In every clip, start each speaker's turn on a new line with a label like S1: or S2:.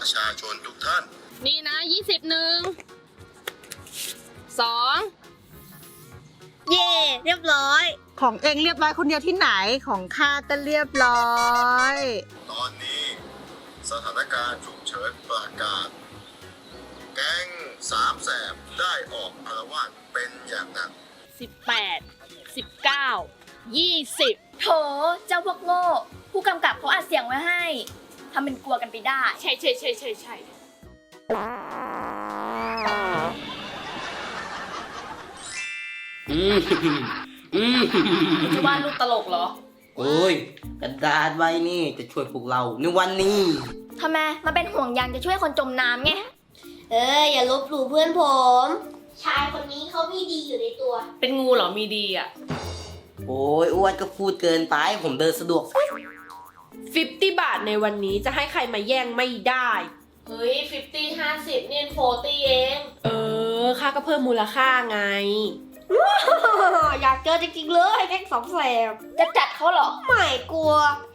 S1: ประชาชนทุกท่าน
S2: นี่นะ21 2
S3: เย่เรียบร้อย
S4: ของเองเรียบร้อยคนเดียวที่ไหนของข้าก็เรียบร้อย
S1: ตอนนี้สถานการณ์ฉุกเฉินประกาศ แก๊งสามแสบได้ออกอาละวาดเป็นอย่างหนัก
S2: 18 19 20
S3: โถเจ้าพวกโง่ผู้กำกับเขาอัดเสียงไว้ให้ทำเป็นกลัวกันไปได้
S2: ใช่จะวาดรูปตลกเหรอ
S5: โอ้ยกระดาษใบนี่จะช่วยพวกเราในวันนี้
S3: ทำไมมาเป็นห่วงยางจะช่วยคนจมน้ำไงอย่าลบหลู่เพื่อนผม ชายคนนี้เขามีดีอยู่ในตัว
S2: เป็นงูเหรอมีดีอ่ะ
S5: โอ้ยอ้วนก็พูดเกินไปผมเดินสะดวก
S6: 50 บาทในวันนี้จะให้ใครมาแย่งไม่ได้
S2: เฮ้ย50 50เนี่ย40เอง
S6: ค่าก็เพิ่มมูลค่าไง
S3: อยากเจอจริงๆเลยแก๊งสองแสบจะจัดเขาเหรอไม่กลัว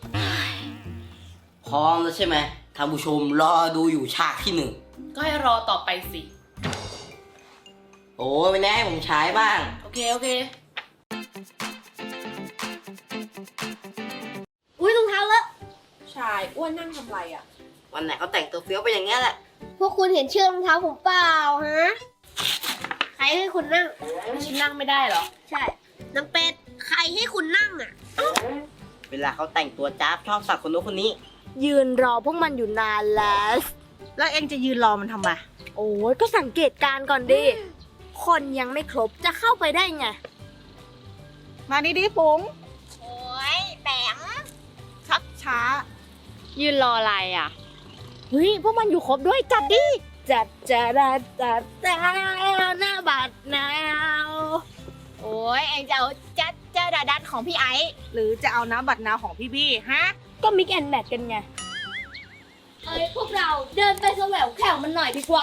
S5: พร้อมแล้วใช่ไหมท่านผู้ชมรอดูอยู่ฉากที่ 1
S2: ก็ให้รอต่อไปสิ
S5: โอ้ยไม่แน่ให้ผมใช้บ้าง
S2: โอเค
S3: อุ้ยรองเท้าเลอะ
S6: ชายอ้วนนั่งทำไรอ่ะ
S5: วันไหนเขาแต่งตัวเฟี้ยวไปอย่างเงี้ยแหละ
S3: พวกคุณเห็นเชือกรองเท้าผมเปล่าฮะใครให้คุณนั่ง
S2: ฉันนั่งไม่ได้เหรอ
S3: ใช่นางเป็ดใครให้คุณนั่งอ่ะ
S5: เวลาเขาแต่งตัวจ้าบชอบสักคนโน้นคนนี้
S3: ยืนรอพวกมันอยู่นานแล้ว
S4: แล้วเองจะยืนรอมันทำไม
S3: โอ้ยก็สังเกตการณ์ก่อนดิ คนยังไม่ครบจะเข้าไปได้ไง
S4: มานี่ดิปุ๋ง
S3: โอ้ยแปม
S4: ชักช้า
S2: ยืนรออะไรอ่ะ
S3: เฮ้ยพวกมันอยู่ครบด้วยจัดดิ จัดหน้าบาดนาว
S2: โอ้ยเอ็งจะเอาจัดเจ้าดาดัดของพี่ไอซ์
S4: หรือจะเอาน้ำบัตรนาวของพี่บี้ฮะ
S3: ก็มิกแอนแมทกันไงเฮ้ยพวกเราเดินไปแสวงแข่งมันหน่อยดีกว่า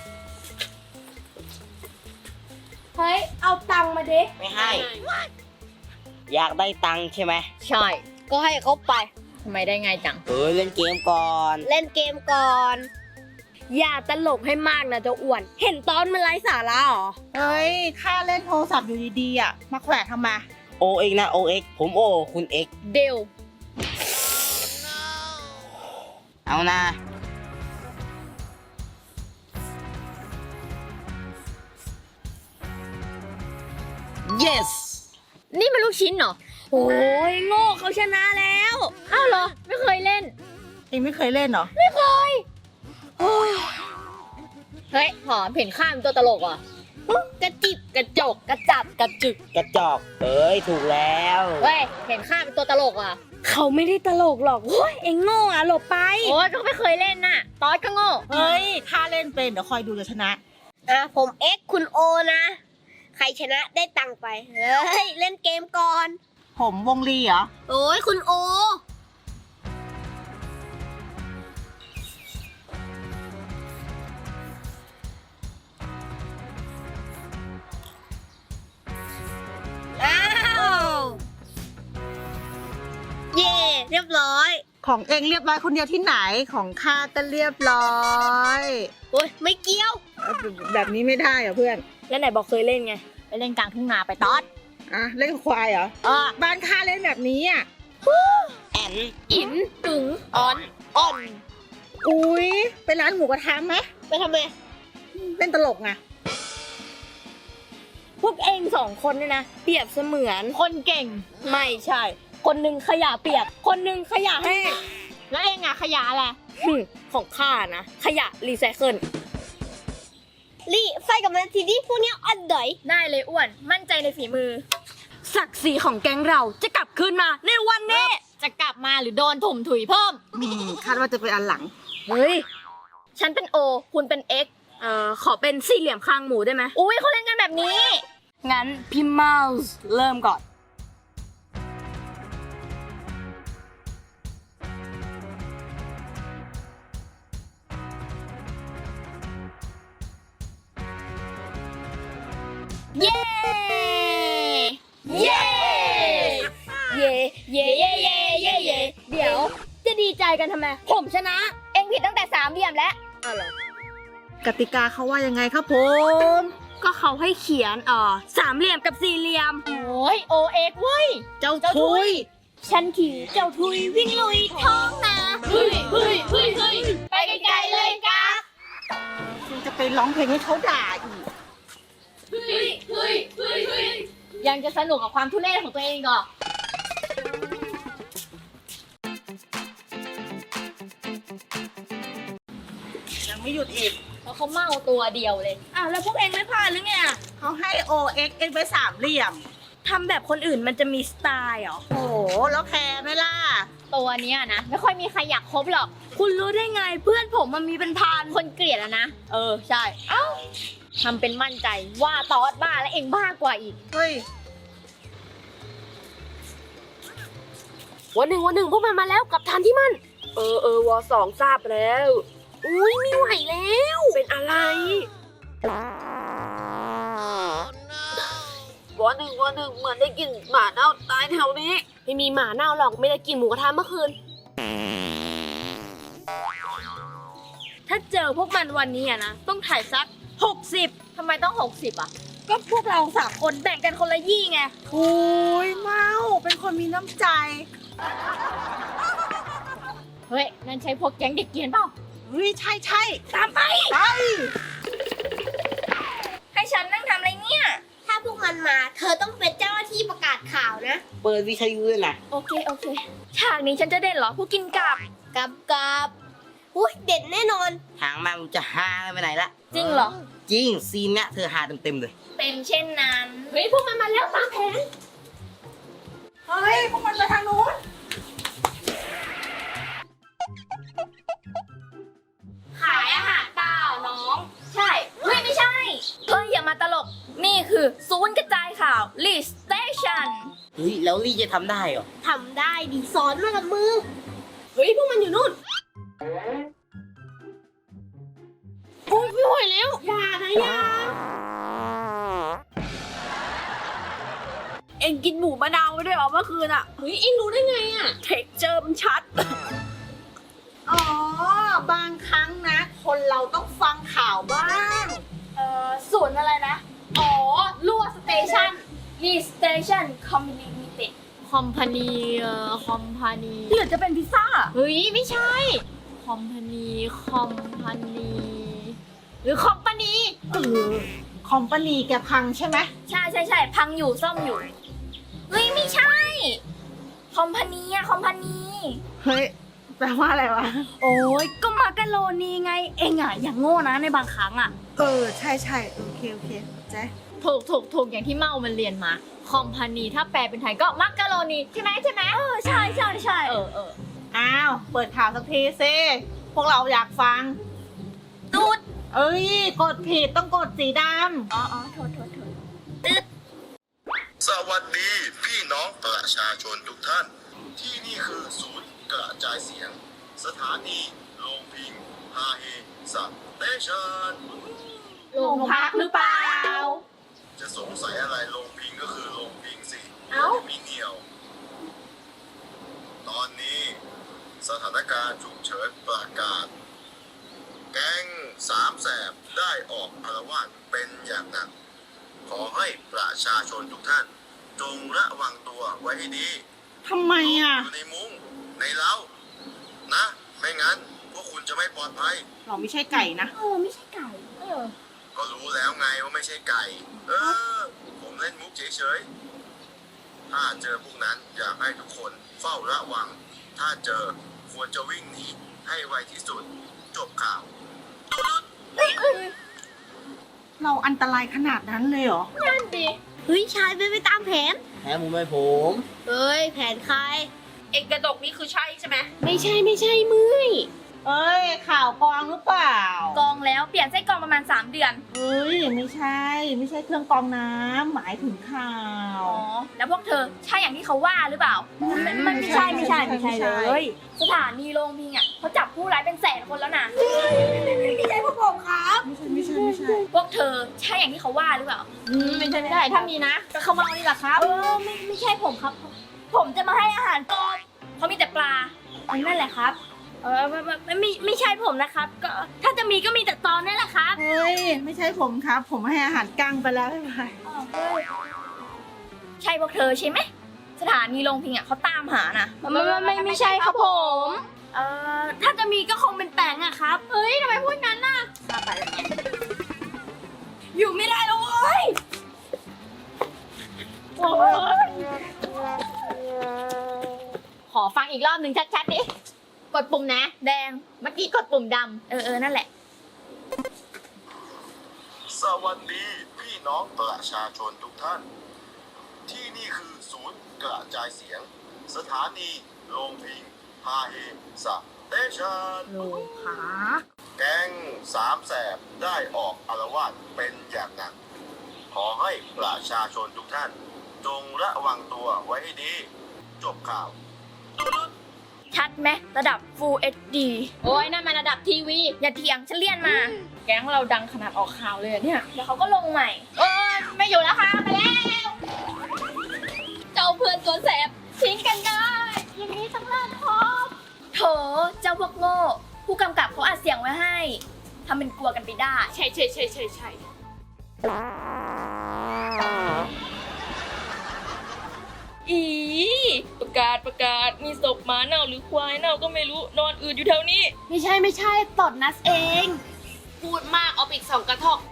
S3: เฮ้ยเอาตังค์มาดิ
S5: ไม่ให้ อยากได้ตังค์ใช่ไหม
S2: ใช่ ก็ให้เขาไปทำไมได้ไงจัง
S5: เล่นเกมก่อน
S3: เล่นเกมก่อน อย่าตลกให้มากนะเจ้าอ้วน เห็นตอนมันไร้สาระเหรอ
S4: เฮ้ยข้าเล่นโทรศัพท์อยู่ดีๆอ่ะมาแขวะทำไม
S5: โอเอ็กนะโอเอ็กผมโอคุณเอ็ก
S2: เดว
S5: เอานะ yes
S2: นี่มันลูกชิ้นเหรอ
S3: โอ้ยโง่เขาชนะแล้ว
S2: อ้าวเหรอ ไม่เคยเล่น
S4: เองไม่เคยเล่นเหรอ
S2: เฮ้ยหอมเห็นข้ามตัวตลกอ่ะกระจิบกระจกกระจับกระจึก
S5: กระจอกถูกแล้ว
S2: เฮ้ยเห็นข้ามเป็นตัวตลกอ่ะ
S3: เขาไม่ได้ตลกหรอกโอ้ยเอ็งโง่อะหลบไป
S2: โอ้ยก็ไม่เคยเล่นน่ะตอสก็โง่
S4: เฮ้ยข้าเล่นเป็นเดี๋ยวคอยดูจะชนะ
S3: ผมเอ็กคุณโอนะ ใครชนะได้ตังค์ไป เฮ้ย เล่นเกมก่อน
S4: ผมวงลีเหรอ
S3: โอ้ยคุณโอ อ้าว เย่เรียบร้อย
S4: ของเองเรียบร้อยคนเดียวที่ไหนของข้าก็เรียบร้อย
S3: โอ้ยไม่เกี่ยว
S4: แบบนี้ไม่ได้เหรอเพื่อน
S3: แล้วไหนบอกเคยเล่นไง
S2: ไปเล่นกลางทุ่งนาไปตอส
S4: อ่ะเล่นควายเหรอบ้านข้าเล่นแบบนี้อ่ะ
S5: แอน
S2: อินตึงออนอ่อน
S4: อุ้ยไปร้านหมูกระทะไหม
S3: ไปทำไม
S4: เล่นตลกไง
S3: พวกเองสองคนเนี่ยนะ เปรียบเสมือน
S2: คนเก่ง
S3: ไม่ใช่ คนหนึ่งขยะเปียก คนหนึ่งขยะแห้ง
S2: แล้วเองอะขยะอะไร
S3: ของข้านะ ขยะรีไซเคิลไฟกับมันทีนี้พวกเนี้ยอันดอย
S2: ได้เลยอ้วน มั่นใจในฝีมือ
S3: ศักดิ์ศรีของแก๊งเราจะกลับคืนมาในวันนี้
S2: จะกลับมาหรือโดนถมถุยเพิ่ม
S4: คาดว่าจะเป็นอันหลัง
S3: เฮ้ย
S2: ฉันเป็นโอ คุณเป็นเอ็ก
S3: ขอเป็นสี่เหลี่ยมคางหมูได้ไหม
S2: อุ้ยเขาเล่นกันแบบนี้
S3: งั้นพี่เมาส์เริ่มก่อน
S2: เย้ เย้
S3: เย่เย่เย่เย่เย่เย่เดี๋ยวจะดีใจกันทำไม ผมชนะ
S2: เอ็งผิดตั้งแต่สามเหลี่ยมแล้ว
S4: กติกาเขาว่ายังไงครับผม
S3: ก็เขาให้เขียนสามเหลี่ยมกับสี่เหลี่ยม
S2: โอ้ยโอเอ็กเว้ย
S4: เจ้าทุย
S3: ฉันคือเจ้าทุยวิ่งลุยท้องนา
S2: เฮ้ยไปไกลๆเลยกัก
S4: คุณจะไปร้องเพลงให้เขาด่าอีก
S2: ยังจะสนุกกับความทุเรศของตัวเองก่อ
S4: ยังไม่หยุดอีก
S2: เพราะเขาเมาตัวเดียวเลย
S3: อ้าวแล้วพวกเองไม่พาหรือไงอะ
S4: เขาให้ OX เอ็กไปสามเหลี่ยม
S3: ทำแบบคนอื่นมันจะมีสไตล์เหรอ
S4: โอ้โห แล้วแคร์ไหมล่ะ
S2: ตัวเนี้ยนะ ไม่ค่อยมีใครอยากคบหรอก
S3: คุณรู้ได้ไงเพื่อนผมมันมีเป็นพัน
S2: คนเกลียดอะนะ ใช่ เอ้าทำเป็นมั่นใจว่าตอดบ้าและเองบ้ากว่าอีก
S4: เฮ้ย
S6: วันหนึ่งพวกมันมาแล้วกับทันที่มัน วอ2ทราบแล้ว อุ้ยไม่ไหวแล้ว เป็นอะไรวอหนึ่งเหมือนได้กลิ่นหมาเน่าตายแถวนี้ ไม่มีหมาเน่าหรอกไม่ได้กินหมูกระทะเมื่อคืน
S3: ถ้าเจอพวกมันวันนี้อะนะต้องถ่ายสัก 60
S2: ทำไมต้อง 60 อ่ะ
S3: ก็พวกเรา3คนแบ่งกันคนละยี่ไง
S4: โอ้ยเมาเป็นคนมีน้ำใจ
S2: เฮ้ย นั่นใช่พวกแก๊งเด็กเกรียนเปล่า
S4: เฮ้ย ใช่ใช่
S3: ตามไป
S4: ไป
S3: ให้ฉันนั่งทำอะไรเนี่ย ถ้าพวกมันมาเธอต้องเป็นเจ้าหน้าที่ประกาศข่าวนะ
S5: เปิดวิทยุเลยนะ
S3: โอเคฉากนี้ฉันจะเด่นเหรอผู้กินกับอุ้ยเด่นแน่นอน
S5: ทางมามันจะหาไปไหนละ
S2: จริงเหรอ
S5: จริงซีนเนี้ยเธอหาเต็มๆเลย
S3: เป็นเช่นนั้น
S2: เฮ้ย พวกมันมาแล้วตามแผน
S4: เฮ้ย พวกมันไปทางนู้น
S3: ขายอาหารเปล่าน้อง ใช่เฮ้ยไม่ใช่อย่ามาตลก นี่คือศูนย์กระจายข่าว Lead Station
S5: เฮ้ยแล้วลี่จะทำได้เหรอ
S3: ทำได้ดีสอนมากับมือ
S6: เฮ้ยพวกมันอยู่นู่นโอ้ยไม่ไหวแล้วอย่าเอ็งกินหมูมะนาวไปด้วยเหรอเมื่อคืนอ่ะเฮ้ยเอ็งรู้ได้ไงอ่ะเท็กเจอร์มันชัด
S4: อ๋อ บางครั้งนะ คนเราต้องฟังข่าวบ้าง
S3: ศูนย์อะไรนะ รั่วสเตชัน Lead Station Company Limited
S2: คอมพานีคอมพานี
S3: หรือจะเป็นพิซซ่า
S2: เฮ้ย ไม่ใช่ คอมพานี หรือคอมพานี
S4: คอมปานีแกพังใช่ไหม
S3: ใช่พังอยู่ซ่อมอยู่ เฮ้ย ไม่ใช่ คอมพานีคอมพานี
S4: เฮ้ย แปลว่าอะไรวะ
S3: โอ้ยก็มาการโรนีไง เองอย่างโง่นะในบางครั้ง
S4: ใช่ใช่โอเคเจ๊
S2: ถูกอย่างที่เมามันเรียนมา คอมพานีถ้าแปลเป็นไทยก็มักกะโรนีใช่ไหม
S3: ใช่
S4: อ้าว เปิดข่าวสักทีสิพวกเราอยากฟัง
S3: ตูด
S4: เอ้ย กดผิดต้องกดสีด
S3: โทษ
S1: สวัสดีพี่น้องประชาชนทุกท่าน ที่นี่คือศูนย์กระจายเสียง สถานีโรงพิงฮาเฮสเตชัน
S2: โรงพักหรือเปล่า
S1: จะสงสัยอะไรโรงพิงก็คือโรงพิงสิ
S2: เอ้า
S1: มีเหนียว ตอนนี้สถานการณ์ฉุกเฉินประกาศ แก๊งสามแสบได้ออกอาละวาดเป็นอย่างหนัก ขอให้ประชาชนทุกท่าน จงระวังตัวไว้ให้ดี
S4: ำทำไมอ่ะ
S1: อยู่ในมุ้งในเล้านะไม่งั้นพวกคุณจะไม่ปลอดภัย
S4: เราไม่ใช่ไก่นะ
S3: ไม่ใช่ไก่
S1: ก็รู้แล้วไงว่าไม่ใช่ไก่ ผมเล่นมุกเฉยๆ ถ้าเจอพวกนั้นอยากให้ทุกคนเฝ้าระวัง ถ้าเจอควรจะวิ่งหนีให้ไวที่สุด จบข่าว
S4: เราอันตรายขนาดนั้นเลยเหรอ
S2: นั่นดิ
S3: เฮ้ย ชายไปตามแผน
S5: แพ้มุมไม่ผม
S3: เฮ้ย แผนใคร
S6: เอ็งกระดกนี่คือใช่ใช่ไหม
S2: ไม่ใช่เมื่อย
S4: เอ้ย ข่าวกรองหรือเปล่า
S3: กองแล้วเปลี่ยนไส้กรองประมาณ 3 เดือน
S4: เอ้ย ไม่ใช่ ไม่ใช่เครื่องกรองน้ำหมายถึงข่าว
S3: แล้วพวกเธอใช่อย่างที่เขาว่าหรือเปล่า มันไม่ใช่เลย สถานีโรงพิงเขาจับผู้ร้ายเป็นแสนคนแล้วนะไม่ใช่พวกผมครับ
S4: ไม่ใช่
S3: พวกเธอใช่อย่างที่เขาว่าหรือเปล่า
S2: ไม่ใช่ถ้ามีนะก็เขาเมานี่แหละครับ
S3: ไม่ใช่ผมครับ ผมจะมาให้อาหารกบเขามีแต่ปลานั่นแหละครับไม่ใช่ผมนะครับ ก็ถ้าจะมีก็มีแต่ตอนนี่แหละครับ
S4: เฮ้ย ไม่ใช่ผมครับ ผมให้อาหารกั้งไปแล้วไม่ไป
S3: ใช่พวกเธอใช่ไหมสถานีโรงพิงอ่ะเขาตามหานะ
S6: ไม่ใช่ครับผม
S3: ถ้าจะมีก็คงเป็นแปงอะครับ เฮ้ยทำไมพูดงั้นน่ะอยู่ไม่ได้แล้วเว้ยโอ้ย
S2: ขอฟังอีกรอบหนึ่งชัดๆดิ กดปุ่มนะ
S3: แดง
S2: เมื่อกี้กดปุ่มด
S3: นั่นแหละ
S1: สวัสดีพี่น้องประชาชนทุกท่าน ที่นี่คือศูนย์กระจายเสียง สถานีโรงพิงฮาเฮสเตชัน
S2: ำโลขา
S1: แก๊งสามแสบได้ออกอาละวาดเป็นอย่างหนัก ขอให้ประชาชนทุกท่าน จงระวังตัวไว้ให้ดี จบข่าว
S3: ชัดไหมระดับ Full HD
S2: โอ้ยนั่นมันระดับทีวี
S3: อย่าเถียงฉันเลี่ยนมา แก๊งเราดังขนาดออกข่าวเลยอะเนี่ยเดี๋ยวเขาก็ลงใหม่
S2: โอ้ยไม่อยู่แล้วค่ะมาแล้ว เจ้าเพื่อนตัวแสบทิ้งกันได้อย่างนี้ต้องลาพบ
S3: โถเจ้าพวกโง่ ผู้กำกับเขาอัดเสียงไว้ให้ทำเป็นกลัวกันไปได้
S6: ใช่ อีประกาศมีศพหมาเน่าหรือควายเน่าก็ไม่รู้นอนอืดอยู่แถวนี้
S3: ไม่ใช่ตดนัสเอง
S6: พูดมากเอาไปอีก2 กระทอก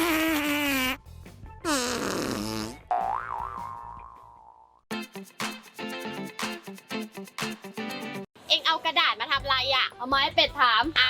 S2: เอ็งเอากระดาษมาทำอะไรอ่ะ เอาไม้เป็ดถามอ้าว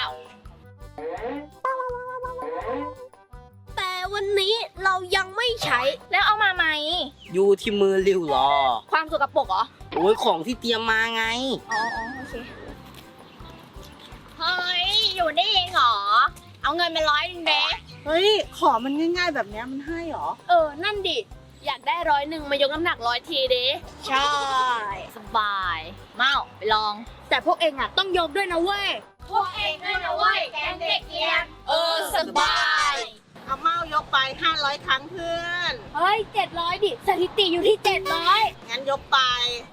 S3: แต่วันนี้เรายังไม่ใช้ แล้วเอามาไหม
S5: อยู่ที่มือริ้วหรอ
S2: ความสกปรกเหรอ
S5: โอ้ยของที่เตรียมมาไง
S3: อ๋อโอเค
S2: เฮ้ย อยู่นี่เองเหรอ เอาเงินมา100เด้
S4: เฮ้ย ขอมันง่ายๆแบบเนี้ยมันให้เหรอ
S6: นั่นดิ อยากได้100มายกน้ำหนัก100 ทีเด้
S2: ใช่ สบาย เมาไปลอง
S6: แต่พวกเองอะต้องยกด้วยนะเว้ย
S2: พวกเองด้วยนะเว้ย แกงเด็กเกียน
S6: สบาย
S4: เอาเมายกไป 500 ครั้งเพื่อน
S3: เฮ้ย 700 ดิ สถิติอยู่ที่ 700
S4: งั้นยกไป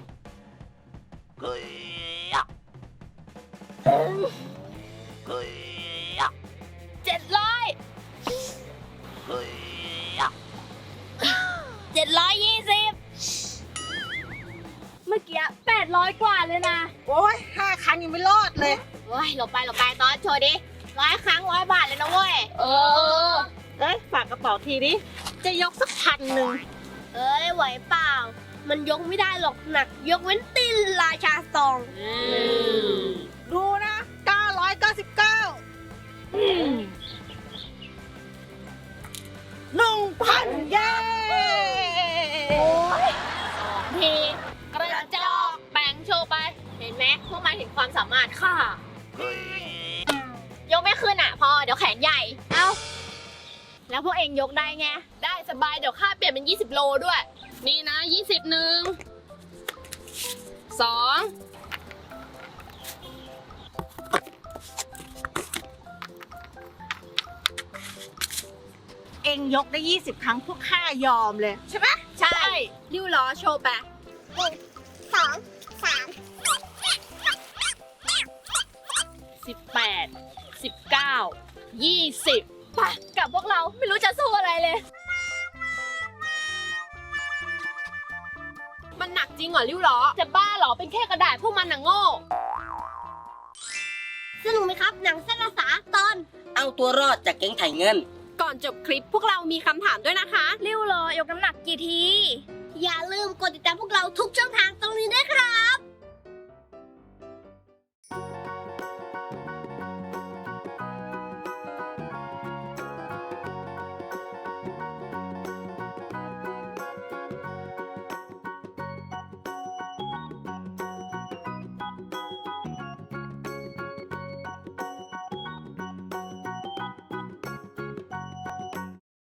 S3: เมื่อกี้800 กว่าเลยนะ
S4: โอ้ย 5 ครั้งยังไม่รอดเลย
S2: เฮ้ยหลบไปตอนโชว์ดิ100 ครั้ง100 บาทเลยนะเว้ย
S6: เออ
S4: เอ้ย ฝากกระเป๋าทีดิ จะยกสัก1,000
S3: เอ้ย ไหวเปล่า มันยกไม่ได้หรอกหนัก ยกเว้นตีนราชาซอง
S4: ดูนะ 999 1,000 เย้
S2: ทีกระจอกแบ่งโชว์ไป เห็นไหมพวกมันเห็นความสามารถค่ะ ยกไม่ขึ้นอ่ะ พอเดี๋ยวแขนใหญ่ เอ้า แล้วพวกเองยกได้ไง
S6: ได้สบายเดี๋ยวค่าเปลี่ยนเป็น20 โลด้วย นี่นะ20 1 2
S4: เองยกได้ 20 ครั้งพวกข้ายอมเลย ใช่ไหม
S2: ใช่
S6: ริ้วล้อโชว์ไป 18 19 20
S3: ไปกับพวกเราไม่รู้จะสู้อะไรเลย
S6: มันหนักจริงเหรอริ้วล้อ จะบ้าเหรอ เป็นแค่กระดาษพวกมันน่ะโง่
S3: สนุกไหมครับ หนังสั้นภาษาตอน
S5: เอาตัวรอดจากแก๊งไถ่เงิน
S6: ก่อนจบคลิปพวกเรามีคำถามด้วยนะคะ
S3: ริ้วรอยกน้ำหนักกี่ที อย่าลืมกดติดตามพวกเราทุกช่องทางตรงนี้ด้วยครับ